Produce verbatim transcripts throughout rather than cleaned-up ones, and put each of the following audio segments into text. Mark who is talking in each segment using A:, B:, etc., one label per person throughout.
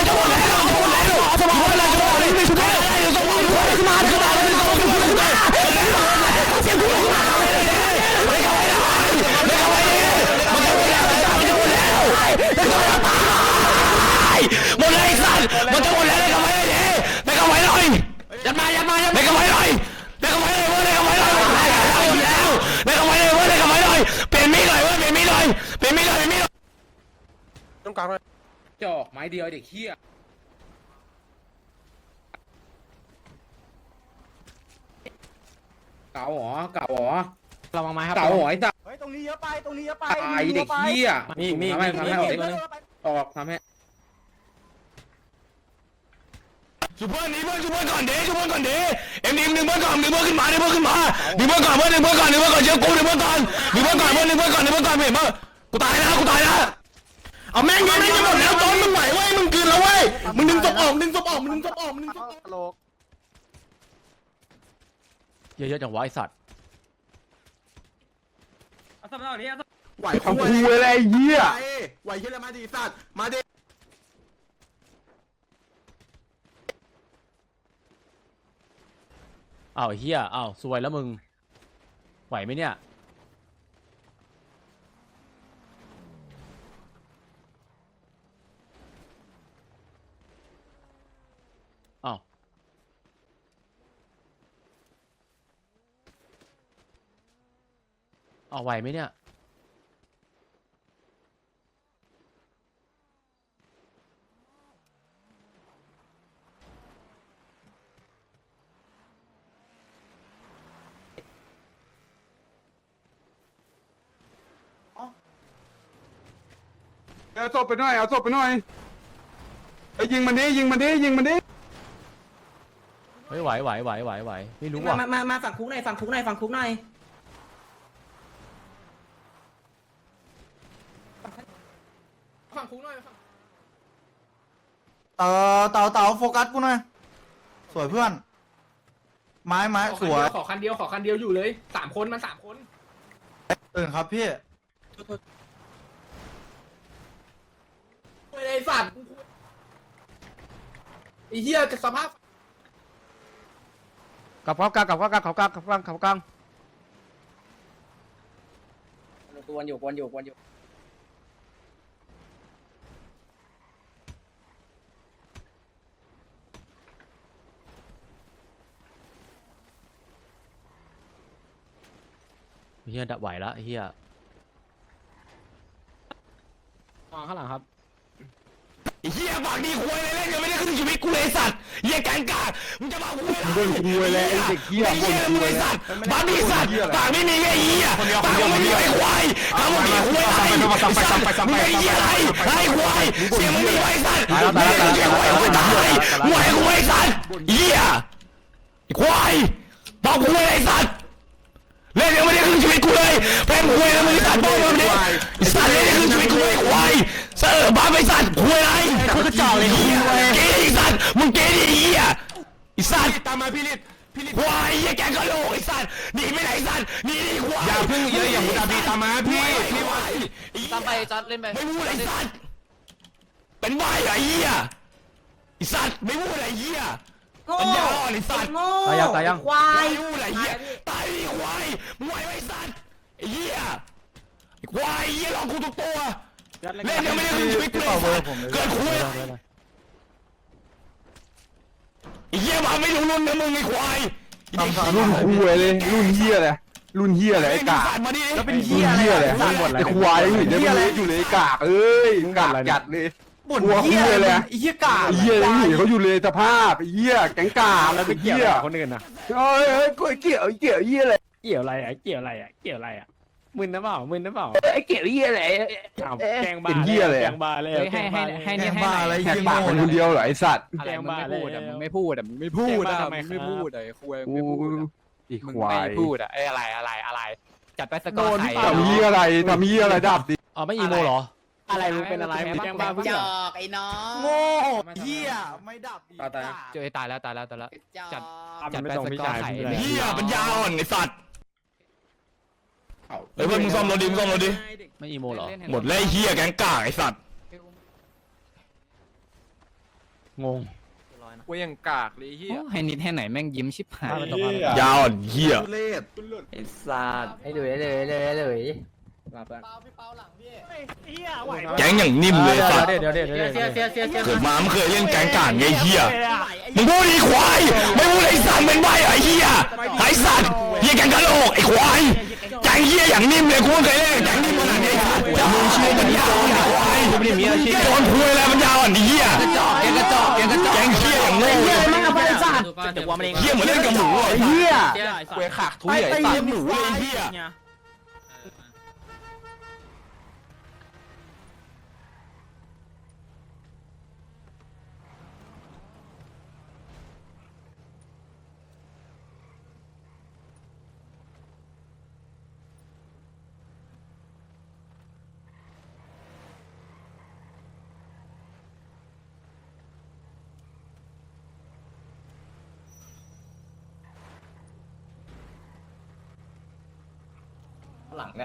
A: มันจะหมดแล้วจะหมดแล้วสมองมันจะหมดแล้วไม่ชุบได้สมองมันขึ้นมาขึ้นมาขึ้นมาขึ้นมาขึ้นมาเสียงกูขึ้นมาไม่เข้าไปไม่เข้าไปมันจะหมดแล้วมันจะหมดแล้วจะหมดแล้วหมดเลยไอ้สัตว์มันจะหมดแล้วเลยเข้าไปเลยไม่เข้าไปเลยยัดมายัดมายัดไม่เข้าไปเลยไม่เข้าไปเลยเว้ยไม่เข้าไปเลยแล้วไม่เข้าไปเลยเว้ยไม่เข้าไปเลยเปลี่ยนมีดหน่อยเว้ยเปลี่ยนมีดหน่อยเปลี่ยนมีดหน่อยเปลี่ยนมีด
B: ต้องกลางเลย
C: จอกไม้เดียวเด็กเหี้ยเก่าหรอเก่าหรอ
D: ระวังไม้ครับ
C: เก่าหรอไอ้สัส
E: เฮ้ยตรงนี้เยอะไปตรงนี้เยอะไป
C: ตายเด็กเหี้ย
D: มีมี
C: ทำให้
D: มี
C: ทำให้ออก
D: มี
C: ดิออกทำให้
A: ชุบเพื่อนหนีเพื่อนชุบเพื่อนก่อนเด้ชุบเพื่อนก่อนเด้เอ็มดีหนึ่งเพื่อนก่อนหนึ่งเพื่อนขึ้นมาหนึ่งเพื่อนขึ้นมาหนึ่งเพื่อนก่อนเพื่อนหนึ่งเพื่อนก่อนหนึ่งเพื่อนก่อนเชื่อกูหนึ่งเพื่อนก่อนหนึ่งเพื่อนก่อนเพื่อนหนึ่งเพื่อนก่อนหนึ่งเพื่อนก่อนเห็นมั้ยกูตายนะกูตายนะเอาแม่งยิงแม่งจะหมดแล้วโดนมึงไหวเว้ยมึงคืนแล้วเว้ยมึงดึงศพออกดึงศพออกมึงดึงศพออกมึงดึงศพออก
E: โลก
D: เยอะๆจังวะไอสัตว์
B: ไหวของกูอะไรเหี้ยไหวเหี้ยอะไรมาดิสัตว์มาดิ
D: อ้าวเฮียอ้าวซวยแล้วมึงไหวไหมเนี่ยอ้าวอ้าวไหวไหมเนี่ย
B: เอาศพไปหน่อยเอาศพไปหน่อยไอ้ยิงมันดิยิงมันดิยิงมันดิ
D: เฮ้ยไหวไหวไหวไหวไหวไม่รู้
F: มา
D: ว่ะ
F: มามามาฝั่งคุกหน่อยฝั่งคุกหน่อยฝั่งคุกหน่อย
C: ฝั่งคุกหน่อยฝั่ง
E: เออเต่าเต่าโฟกัสกูหน่อยสวยเพื่อน ไม้ไม้สวย
C: ขอคันเดียวขอคันเดียวอยู่เลยสามคนมันสามคน
E: ตื่นครับพี่
C: ไอ้สัตว์ไอ้เหี้ยจะสภาพ
D: กลับกลับกลับกลับกลับกลับกลับกลับกลับกลับกลับ
F: กวนอยู่กวนอยู่กวนอยู่
D: เฮียดับไหวแล้วเฮียวางข้างหลังครับ
A: ไอ้เหี้ยปากดีคุยเลยเล่นยังไม่ได้ขึ้นชีวิตกูเลยสัตว์เหี้ยแกงกากมึงจะมาคุยอะไร
B: บนกูเลยไอ้เด็กเหี้ย
A: ไอ้
B: บ
A: เหี้
B: น
A: ย
B: กู
A: มึง
B: เล
A: ไอ้
B: ย
A: สัตว์บ้าดีสัตว์ปากไม่มีไอ้เหี้ยปากไม่มีไอ้ควายปากไม่มีคุยอะไรมึงไอ้เหี้ยอะไรไอ้ควายเสียงมึงมีไอ้สัตว์มึงไอ้เหี้ยควายควายตายมึงไอ้ควายสัตว์เหี้ยไอ้ควายบอกคุยไอ้สัตว์เล่นยังไม่ได้ขึ้นชีวิตกูเลยแฟนคุยแล้วมึงสัตว์บอกมึงดิสัตว์เล่นยังขึ้นชีวิตกูเลยควายเสือบ้าไปสัตว์คุยอะไรคือกระจอกเลยเหี้ยเกย์ไอ้สัตว์มึงเกย์ดิเหี้ยไอ้สัตว์ตามมาพี่ลิศพี่ลิศควายไอ้แกงกะโหลกไอ้สัตว์หนีไปไหนสัตว์หนีดิควายอย่าพึ่งเยอะอย่ามุดาบีตามมาพี่พี่วาย
F: ตามไปจัดเล่นไป
A: ไม่พูดไอ้สัตว์
G: เป็นใบไอ้เหี้ยไอ้สัตว์ไม่พูดไอ้เหี้ย
F: โง่
G: ปัญญาอ่อนไอ้สัตว์
F: โง่
D: ตายยังตายยัง
F: ควาย
G: ไม่พูดไอ้เหี้ยตายดิควายมึงไหวไหมไอ้สัตว์ไอ้เหี้ยไอ้ควายไอ้เหี้ยหลอกกูทุกตัวเล่นยังไม่ได้ถึงชีวิตกูเลยสัตว์เกิดคุยไอ้เหี้ยมาไม่รู้รุ่นนะมึงไอ้ควาย
B: รุ่นคุยเลยรุ่นเฮียเลยรุ่นเฮียเลยไอ้กาก
G: มาดิ
E: แล้วเป็น
B: รุ่
E: เหี้ย
B: น
E: อะไร
B: เฮียเลย
E: อะ
B: ไอ้ควายเห็นได้ไม่รู้อยู่เลยไอ้กากเอ้ยกากจัดเลย
E: บ่นเหี้ยอะไรไอ้เหี้ยกา
B: ไอ้เฮียยังหนีเขาอยู่เลยสภาพไอ้เฮียแก๊งกากแล้วไอ้เฮีย
H: คนอื่นนะ
B: เอ้ยเอ้ยกูเกี่ยวเกี่ยวเฮียอะไร
H: เกี่ยวอะไรอ่ะเกี่ยวอะไรอ่ะเกี่ยวอะไรอ่ะมึนนะเปล่ามึนนะเปล่า
B: ไอ้เกี่ยวเฮียอะไร
H: อ้าวแกงบ้า
B: เป็นเหี้ยเลย
H: แก
B: อะ
H: งบ้าเลย
A: ให้ให้ให้นี่
E: แกง
A: ให้
E: บ้าอะไร
B: แหก
E: เหี้ย
B: ปาก
E: โง่
B: มันคนเดียวเหรอไอ้สัตว์
H: แกงบ้าเลย
A: มึงไม่พูดอ่ะมึงไม่พูดอ่ะมึงไม่พูดอ่ะไอ้คุย
B: กูอี
A: มึง
B: ควา
A: ไม่
B: ย
A: พูดอ่ะไอ้อะไรอะไรอะไรจัดไปสกอร์ไข่
B: ทำเฮียอะไรทำเฮียอะไรดับดิ
D: อ๋อไม่อีโมเหรอ
H: อะไรมึงเป็นอะไรมึงแกงบ้าเพื่อ
F: จอกไอ้น้อง
E: โง่เหี้ยไม่ดับอีก
F: ตาย
A: เจอตายแล้วตายแล้วตายแล้ว
F: จัด
A: จัดไปสกอร์ไข่
G: เหี้ยปัญญาอ่อนไอ้สัตว์เฮ้ยเพื่อนมึงซ่อมรถดิมึงซ่อมรถดิ
D: ไม่อีโมเหรอ
G: หมดแล้วไอ้เหี้ยแก๊งกากไอ้สัตว์
D: งง
A: กูยังกากเลยเฮียให้นิดให้ไหนแม่งยิ้มชิบหาย
G: ยาวอ่อนเหี้ย
B: ทุเรศ
A: ไอ้สัตว์ให้เลยเลยเลยเลย
F: มาเพื่อน
G: แก๊งอย่างนิ่มเลยสัตว์
D: เดี๋ยวเดี๋ยวเดี๋ยวเดี๋ยว
F: เสียเสียเสียเสีย
G: เกิดมาไม่เคยเล่นแก๊งกากไงเหี้ยมึงพูดไอ้ควายไม่พูดไอ้สัตว์เป็นใบไอ้เหี้ยไอ้สัตว์เหี้ยแก๊งกะโหลกไอ้ควายแก๊งเหี้ยอย่างนิ่มเลยกูไม่เคยเล่นแก๊งนิ่มขนาดนี้ไอ้สัตว์จะมึงเชื่อปัญญาอ่อนไอ้ควายไม่ได้มีอาชีพโดนคุยอะไรปัญญาอ่อนไอ้เหี้ย
A: กระจอกกระจอกกระจอก
G: แก๊งเหี้ยอย่างโง่เลย
F: มึงเอาไปสัตว์
A: เดี๋ยวว่ามันเอง
G: เหี้ยเหมือนเล่นกับหมูไอ้เหี้ย
A: เว้ยขากทุ
G: ไอ้
A: ยไอ้
G: ตี
A: สัตว์
G: หมูไอ้เหี้ย
F: หลังเนี่ย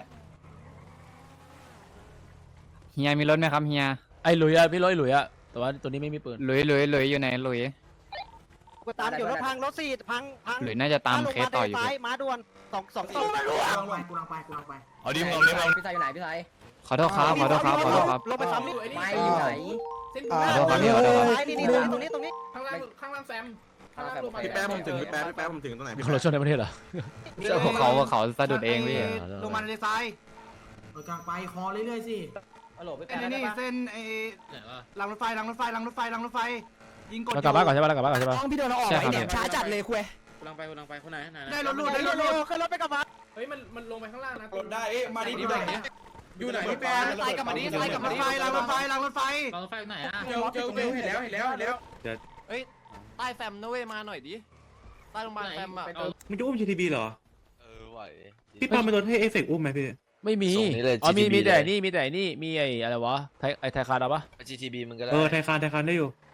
A: เฮียมีรถไหมครับเฮีย
D: ไอ้หลุยอะพี่ร้อยหลุยอะแต่ว่าตัวนี้ไม่มีปืน
A: หลุยหลุยหลุยอยู่ไหนหลุย
I: กูตามอยู่รถพังรถสี่พังพัง
A: หลุยน่าจะตามเคสต่ออยู่
I: ซ้ายมาด่วนสองสองสอง
G: เอาดิมึงเอาดิมึงเอา
F: พี่ชายอยู่ไหนพี่ชาย
A: ขอโทษครับขอโทษครับขอโทษครับ
I: ลงไปซ้ำนี่
F: ไม่อยู่ไหน
C: เส้น
E: อ่า
C: กู
A: ขอโทษครับพี่ขอโทษครับ
I: ซ้ายนี่นี่ตรงนี้ตรงนี้
C: ข้างล่างข้างล่างแซมข้างล่างลงมา
B: พี่แป๊บผมถึงพี่แป๊บพี่แป๊บผมถึงตรงไหน
D: มี
B: พี่
D: คน
B: แป๊
D: ละช่วงในประเทศเหรอ
A: เขาเขาสะดุดเองพี่
I: ลงมาในซ้าย
C: กลางไปคอเรื่อยๆสิ
F: ฮัลโหลพี่
I: เส้
F: แป๊
I: น
F: บ
I: นี่เส้นไอ้รางรถไฟรางรถไฟรางรถไฟรางรถไฟยิงกด
D: เรากลับบ้านก่อนใช่ปะเรากลับบ้านก่อนใช่ปะ
I: พี่เดินเราออก
A: ใช่
I: ไอ้
A: ครับ
I: เด็กช้าจัดเลยคุย
F: กำลังไปกำลังไปคนไหนไหน
I: ได้รถลูดได้รถลูดขึ้นรถไปกับมา
C: เฮ้ยมันมันลงไปข้างล่างนะ
B: รถได้เอ๊ะมาดิที่ไหนอยู่ไหนพี่แป๊บ
I: ไล่กับมาดิไล่กับรถไฟรางรถไฟรางรถไฟ
F: รถไฟไหนอ่ะ
B: เจอเจอเจอเห็นแล้วเห็นแล้วเห็นแล้ว
A: ใต้แฟมนะเว้ยมาหน่อยดิใต้โรงพยาบาลแฟมอ่ะ
J: มึงจะอุ้ม จี ที บี เหรอ เออไหว พี่ปาล์มไปรถให้เอฟเฟกต์อุ้มไหมพี่
D: ไม่มีอ๋อมีมีแต่นี่มีแต่นี่มีไอ้อะไรวะไทยไอ้ไทยคาร์ดปะ
J: เออ ไทยคานไทยคานได้อยู่